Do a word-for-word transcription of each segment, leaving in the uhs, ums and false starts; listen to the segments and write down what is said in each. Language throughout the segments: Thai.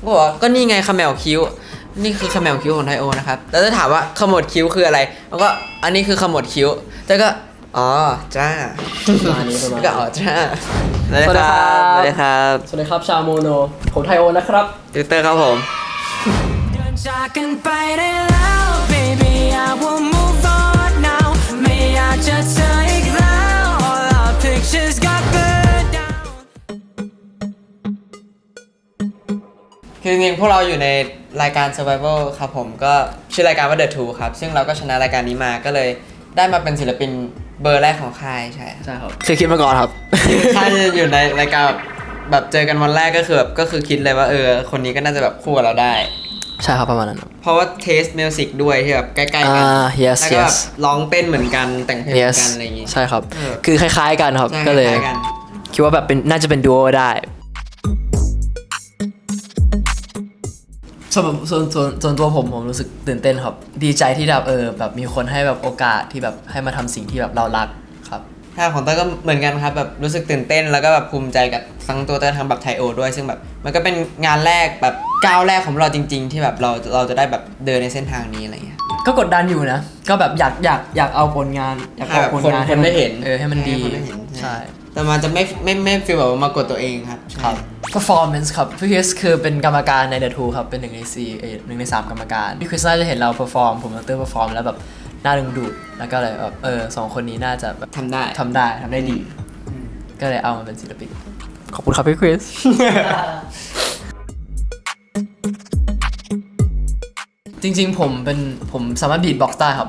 ก็บอกว่าก็นี่ไงขมวคิ้วนี่คือขมวคิ้วของไทโอนะครับแล้วจะถามว่าขมวดคิ้วคืออะไรแล้วก็อันนี้คือขมวดคิ้วแต่ก็อ๋อจ้าประมาณนี้ประมาณก็นี้อ๋อจ้าสวัสดีครับสวัสดีครับสวัสดีครับชาวโมโนผมไทโอนะครับติวเตอร์ครับผมจากกันไปได้แล้ว baby I will move on now ไม่อยากจะเจออีกแล้ว all our pictures got burned down คือจริงๆพวกเราอยู่ในรายการ Survival ครับผมก็ชื่อรายการว่า The Two ครับซึ่งเราก็ชนะรายการนี้มาก็เลยได้มาเป็นศิลปินเบอร์แรกของค่ายใช่ใช่ครับคือคิดมาก่อนครับถ้าจะอยู่ในรายการแบบแบบเจอกันวันแรกก็คือแบบก็คือคิดเลยว่าเออคนนี้ก็น่าจะแบบคู่กับเราได้ใช่ครับประมาณนั้นเพราะว่าเทสมิวสิกด้วยที่แบบใกล้ๆกันอ่า yes แล้วก็แบบ yes ร้องเต้นเหมือนกันแต่งเพลงเหมื yes อนกันอะไรอย่างงี้ใช่ครับเออคือคล้ายๆกันครับใช่ก็เลยคล้ายๆกันคิดว่าแบบเป็นน่าจะเป็นดูโอได้ส่วนส่วนส่วนส่วนตัวผมผมรู้สึกตื่นเต้นครับดีใจที่แบบเออแบบมีคนให้แบบโอกาสที่แบบให้มาทำสิ่งที่แบบเรารักครับถ้าของเต้ยก็เหมือนกันครับแบบรู้สึกตื่นเต้นแล้วก็แบบภูมิใจกับทั้งตัวเต้ยทั้งแบบไทโอด้วยซึ่งแบบมันก็เป็นงานแรกแบบก้าวแรกของเราจริง ๆ ที่แบบเราเราจะได้แบบเดินในเส้นทางนี้อะไรอย่างเงี้ยก็กดดันอยู่นะ ก็แบบอยากอยากอยากเอาผลงานอยากเอาผลงานให้แบบคนคนได้เห็นเออให้มันดีให้คนได้เห็นใช่แต่มันจะไม่ไม่ไม่ฟีลแบบว่ามากดตัวเองครับครับ performance ครับพี่คริสคือเป็นกรรมการใน The Two ครับเป็นหนึ่งในสี่เออหนึ่งในสามกรรมการพี่คริสน่าจะเห็นเรา perform ผมกับเตอร์ perform แล้วแบบน่าดึงดูดแล้วก็เลยแบบเออสองคนนี้น่าจะแบบทำได้ทำได้ทำได้ดี ก็เลยเอามาเป็นศิลปินขอบคุณครับพี่คริส จริงๆผมเป็นผมสามารถบีทบ็อกซ์ได้ครับ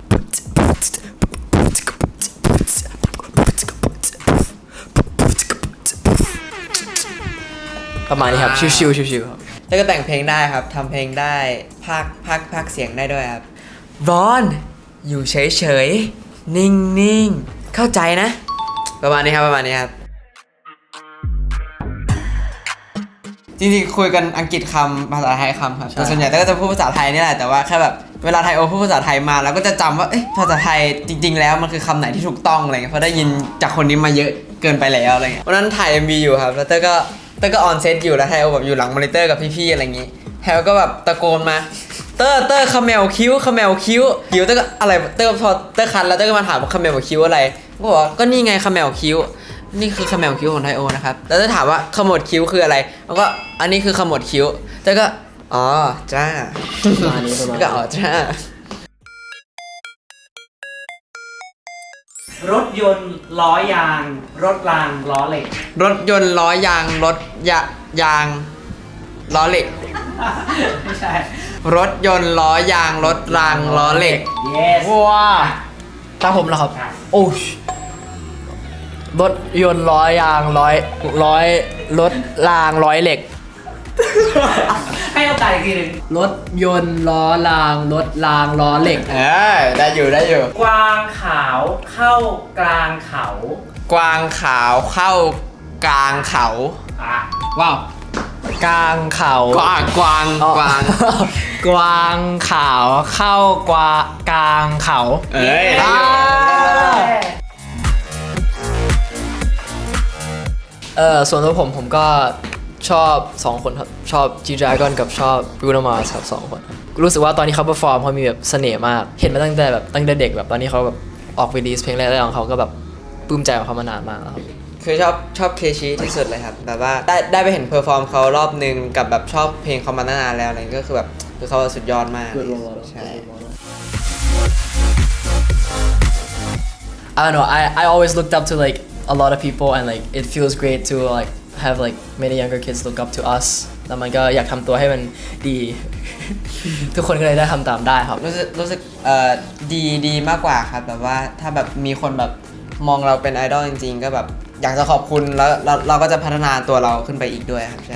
ประมาณนี้ครับ ชิวๆชิวๆครับแล้วก็แต่งเพลงได้ครับทำเพลงได้พากพากพากเสียงได้ด้วยครับร้อนอยู่เฉยๆนิ่งๆเข้าใจนะ ประมาณนี้ครับประมาณนี้ครับจริงๆคุยกันอังกฤษคำภาษาไทยคำครับแต่ส่วนใหญ่ก็จะพูดภาษาไทยนี่แหละแต่ว่าแค่แบบเวลาไทยโอพูดภาษาไทยมาเราก็จะจำว่าเอ๊ะภาษาไทยจริง ๆ แล้วมันคือคำไหนที่ถูกต้องอะไรเงี้ยเพราะได้ยินจากคนนี้มาเยอะเกินไปแล้วอะไรเงี้ยวันนั้นถ่าย เอ็ม วี อยู่ครับแล้วเต้ยก็เต้ยก็ออนเซตอยู่แล้วไทยโอแบบอยู่หลังมอนิเตอร์กับพี่ๆอะไรอย่างงี้แฮวก็แบบตะโกนมาเต้ยเต้ยขมวคิ้วขมวคิ้วคิ้วเต้ยก็อะไรเต้ยพอเต้ยคันแล้วเต้ยก็มาถามว่าขมวคิ้วอะไรก็บอกว่าก็นี่ไงขมวคิ้วนี่คือขมวคิ้วของไทโอนะครับแล้วจะถามว่าขมวดคิ้วคืออะไรแล้วก็อันนี้คือขมวดคิ้วแต่ก็อ๋อจ้าประมาณนี้ประมาณนี้ก็อ๋อจ้ารถยนต์ล้อยาง รถรางล้อเหล็กรถยนต์ล้อยางรถยะยางล้อเหล็กไม่ใช่รถยนต์ล้อยางรถรางล้อเหล็ก yes ว้าตามผมแล้วครับครับโอ้ยรถยนต์ร้อยยางร้อยร้อยรถรางร้อยเหล็กให้โอกาสอีกทีหนึ่งรถยนต์ล้อรางรถรางล้อเหล็กเออได้อยู่ได้อยู่กวางขาวเข้ากลางเขากวางขาวเข้ากลางเขาอ่ะว้าว กลางเขากวางกวางอ๋อกวางกวางขาวเข้ากวากลางเขาเอ้ยได้อ่าอยู่เออส่วนตัวผมผมก็ชอบสองคนครับ ชอบ G-Dragon กับชอบ Bruno Mars ครับสองคนครับรู้สึกว่าตอนที่เขาเปอร์ฟอร์มเขามีแบบเสน่ห์มาก เห็นมาตั้งแต่แบบตั้งแต่เด็กแบบตอนนี้เขาแบบออกวีดีโอเพลงแรกๆของเขาก็แบบปลื้มใจของเขามานานมากแล้วครับคือชอบชอบเคชีที่สุดเลยครับแบบว่าได้ได้ไปเห็นเพอร์ฟอร์มเขารอบนึงกับแบบชอบเพลงเขามานานแล้วอะไรก็คือแบบคือเขาสุดยอดมาก Good role model ใช่ I don't know I I always looked up to like a lot of people and like it feels great to like have like many younger kids look up to us แล้วมันก็อยากทำตัวให้มันดี ทุกคนก็เลยได้ทำตามได้ครับรู้สึกรู้สึกเอ่อดีดีมากกว่าครับแบบว่าถ้าแบบมีคนแบบมองเราเป็นไอดอลจริงๆก็แบบอยากจะขอบคุณแล้วเราเราก็จะพัฒนาตัวเราขึ้นไปอีกด้วยครับใช่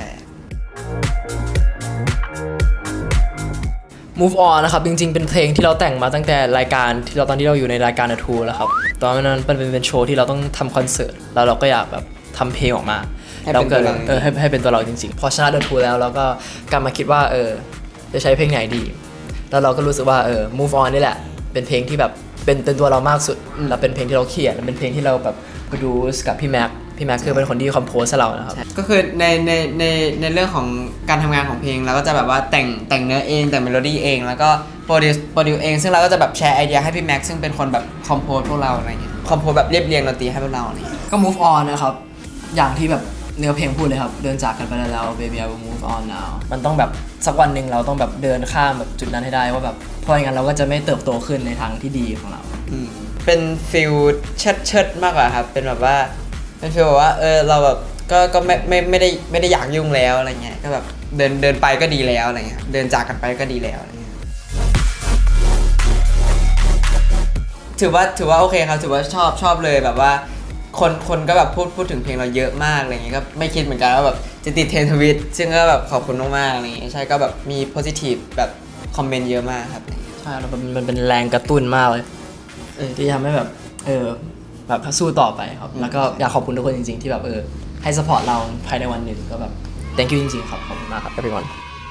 Move on นะครับจริงๆเป็นเพลงที่เราแต่งมาตั้งแต่รายการที่เราตอนที่เราอยู่ในรายการ The Two แล้วครับตอนนั้นเป็นเป็นโชว์ที่เราต้องทำคอนเสิร์ตแล้วเราก็อยากแบบทำเพลงออกมาให้เป็นตัวเราเออให้ให้เป็นตัวเราจริงๆพอชนะ The Two แล้วเราก็กลับมาคิดว่าเออจะใช้เพลงไหนดี แล้วเราก็รู้สึกว่าเออ Move on นี่แหละเป็นเพลงที่แบบเป็นเป็นตัวเรามากสุดแล้วเป็นเพลงที่เราเขียนและเป็นเพลงที่เราแบบ produce กับพี่แม็กพี่แม็กคือเป็นคนที่คอมโพสให้เรานะครับก็คือในในในในเรื่องของการทำงานของเพลงเราก็จะแบบว่าแต่งแต่งเนื้อเองแต่งเมโลดี้เองแล้วก็โปรดิวโปรดิวเองซึ่งเราก็จะแบบแชร์ไอเดียให้พี่แม็กซ์ซึ่งเป็นคนแบบคอมโพสพวกเราอะไรเงี้ยคอมโพสแบบเรียบเรียงดนตรีให้พวกเราอะไรเงี้ยก็ move on นะครับ อย่างที่แบบเนื้อเพลงพูดเลยครับ เดินจากกันไปแล้ว baby I will move on now มันต้องแบบสักวันหนึ่งเราต้องแบบเดินข้ามแบบจุดนั้นให้ได้ว่าแบบเพราะอย่างนั้นเราก็จะไม่เติบโตขึ้นในทางที่ดีของเราอืมเป็นฟิลเชิดเชิดๆมากกว่าครับเป็นแบบว่าเป็นฟิลแบบว่าเออเราแบบก็ก็ไม่ไม่ไม่ได้ไม่ได้อยากยุ่งแล้วอะไรเงี้ยก็แบบเดินเดินไปก็ดีแล้วอะไรเงี้ยเดินจากกันไปก็ดีแล้วอะไรเงี้ยถือว่าถือว่าโอเคครับถือว่าชอบชอบเลยแบบว่าคนคนก็แบบพูดพูดถึงเพลงเราเยอะมากอะไรเงี้ยก็ไม่คิดเหมือนกันว่าแบบจะติดเทรนด์ทวิตซึ่งก็แบบขอบคุณมากๆอะไรเงี้ยใช่ก็แบบมี positive แบบคอมเมนต์เยอะมากครับใช่แล้วมันมันเป็นแรงกระตุ้นมากเลยเออที่ทำให้แบบเออแบบสู้ต่อไปครับ แล้วก็อยากขอบคุณทุกคนจริงๆ ที่แบบเออให้สปอร์ตเราภายในวันหนึ่งก็แบบ thank you จริงๆครับขอบคุณมากครับ everyone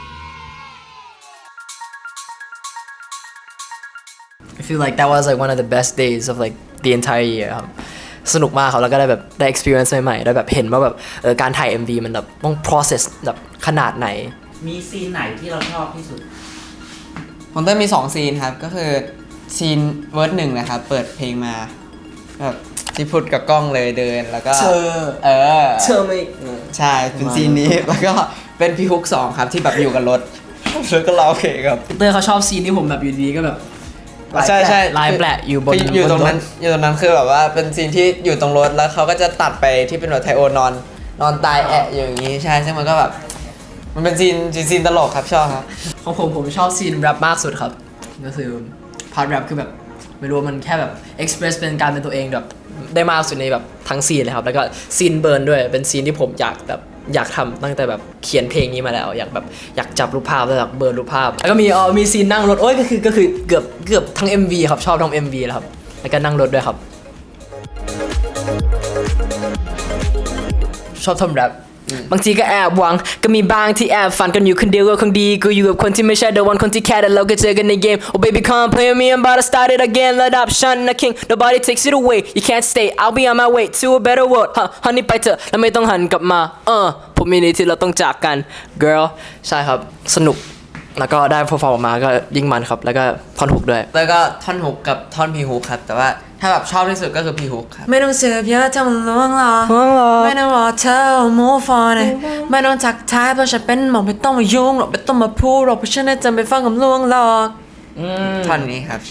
I feel like that was like one of the best days of like the entire year ครับสนุกมากครับแล้วก็ได้แบบได้ experience ใหม่ๆได้แบบเห็นว่าแบบเออการถ่าย เอ็ม วี มันแบบต้อง process แบบขนาดไหนมีซีนไหนที่เราชอบที่สุดผมเต้ยมีสองซีนครับก็คือซีนเวิร์ดหนึ่งนะครับเปิดเพลงมาแบบที่พูดกับกล้องเลยเดินแล้วก็เธอเออเธอไม่ใช่เป็นซีนนี้ แล้วก็เป็นพี่ฮุกสองครับที่แบบอยู่กับรถ แล้วก็ร้องเพลงครับเตอร์เขาชอบซีนที่ผมแบบอยู่ดีๆก็แบบใช่ใช่ลายแปะอยู่บนคืออยู่ตรงนั้นบนอยู่ตรงนั้นคือแบบว่าเป็นซีนที่อยู่ตรงรถแล้วเขาก็จะตัดไปที่เป็นแบบไทโอนอนนอนตายแอะอยู่อย่างนี้ใช่ซึ่งมันก็แบบมันเป็นซีนซีนตลกครับชอบครับของผมผมชอบซีนแรปมากสุดครับก็คือพาร์ทแรปคือแบบไม่รู้ว่ามันแค่แบบเอ็กซ์เพรสเป็นการเป็นตัวเองแบบได้มากสุดในแบบทั้งซีนเลยครับแล้วก็ซีนเบิร์นด้วยเป็นซีนที่ผมอยากแบบอยากทำตั้งแต่แบบเขียนเพลงนี้มาแล้วอยากแบบอยากจับรูปภาพแล้วแบบเบิร์นรูปภาพแล้วก็มีเออมีซีนนั่งรถโอ้ยก็คือก็คือเกือบเกือบทั้ง เอ็ม วี ครับชอบทั้ง เอ็ม วี แล้วครับแล้วก็นั่งรถด้วยครับชอบทำแรปบางทีก็แอบหวังก็มีบางที่แอบฝันกันอยู่คนเดียวก็คงดีกูอยู่กับคนที่ไม่ใช่ the one คนที่แค่แต่เราก็เจอกันในเกม oh baby come play with me I'm about to start it again let up shine the king nobody takes it away you can't stay I'll be on my way to a better world ฮะ honey ไปเถอะแล้วไม่ต้องหันกลับมาเออผมมีนี้ที่เราต้องจากกัน girl ใช่ครับสนุกแล้วก็ได้พอฟอร์มออกมาก็ยิ่งมันครับแล้วก็ท่อนฮุกด้วยแล้วก็ท่อนฮุกกับท่อนพีฮุกครับแต่ว่าถ้าแบบชอบที่สุดก็คือพีฮุกครับไม่ต้องสืบเยอะเท่ามันล่วงหรอไม่ต้องรอเธอ move on เลยไม่ต้องทักทายเพราะฉันเป็นหมอกไม่ต้องมายุ่งหรอกไม่ต้องมาพูดหรอกเพราะฉันน่ะจะไม่ฟังคำล่วงหรอกท่อนนี้ครับใช่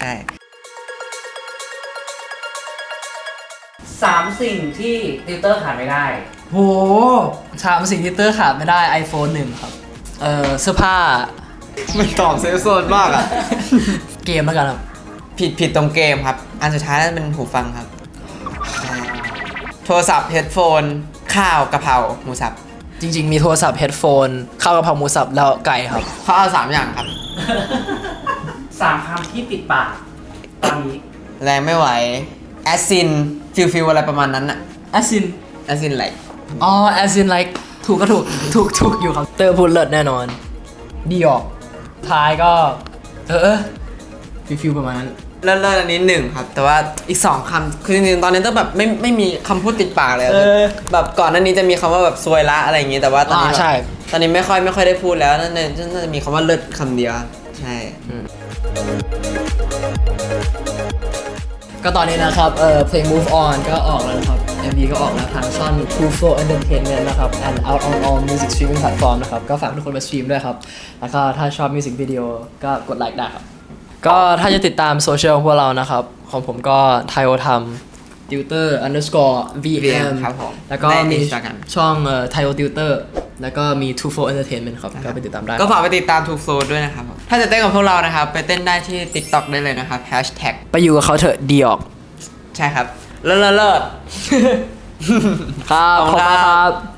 สามสิ่งที่ติวเตอร์ขาดไม่ได้โหสามสิ่งที่เตอร์ขาดไม่ได้ iPhone หนึ่งครับเออเสื้อผ้ามันตอบเซฟโซนมากอ่ะเกมแล้วกันครับผิดผิดตรงเกมครับ อันสุดท้ายนั่นเป็นหูฟังครับใช่โทรศัพท์เฮดโฟน ข้าวกะเพราหมูสับจริงๆ มีโทรศัพท์เฮดโฟนข้าวกะเพราหมูสับแล้วไก่ครับเขาเอาสามอย่างครับสามคำที่ติดปากตอนนี้แรงไม่ไหว แอสซิน ฟิลฟิลอะไรประมาณนั้นอะ as in แอสซินไหลอ๋อ as in like ถูกก็ถูก ถูกถูกอยู่ครับ เตอร์พูดเลิศแน่นอน ดีออก ท้ายก็ เออเออฟิลฟิลประมาณนั้นเลิศเลิศอันนี้หนึ่งครับ แต่ว่าอีกสองคำคือจริงๆ ตอนนี้ต้องแบบไม่ไม่มีคำพูดติดปากเลยอะเออแบบก่อนหน้านี้จะมีคำว่าแบบซวยละอะไรอย่างงี้ แต่ว่าตอนนี้อ่าแบบใช่ตอนนี้ไม่ค่อยไม่ค่อยได้พูดแล้วนั่นน่ะน่าจะมีคำว่าเลิศคำเดียว ใช่ก็ตอนนี้นะครับ เออเพลง move on ก็ออกแล้วนะครับ เอ็ม วี ก็ออกแล้วทางช่อง True Flow Entertainment นะครับ and out on all music streaming platform นะครับ ก็ฝากทุกคนมาสตรีมด้วยครับ แล้วก็ถ้าชอบมิวสิกวิดีโอก็กดไลค์ได้ครับ ก็ถ้าจะติดตามโซเชียลของพวกเรานะครับ ของผมก็ไทโอทำ tutor underscore วี เอ็มครับผมแล้วก็ในมี Instagram ช่องเอ่อไทโอ tutor แล้วก็มี True Flow Entertainment ครับ ก็ไปติดตามได้ก็ฝากไปติดตาม Two Flow ด้วยนะครับผมถ้าจะเต้นกับพวกเรานะครับ ไปเต้นได้ที่ TikTok ได้เลยนะครับ Hashtag ไปอยู่กับเขาเถอะดีออกใช่ครับ เลิศเลิศเลิศครับขอบขอบคุณคุณคครัรับ บ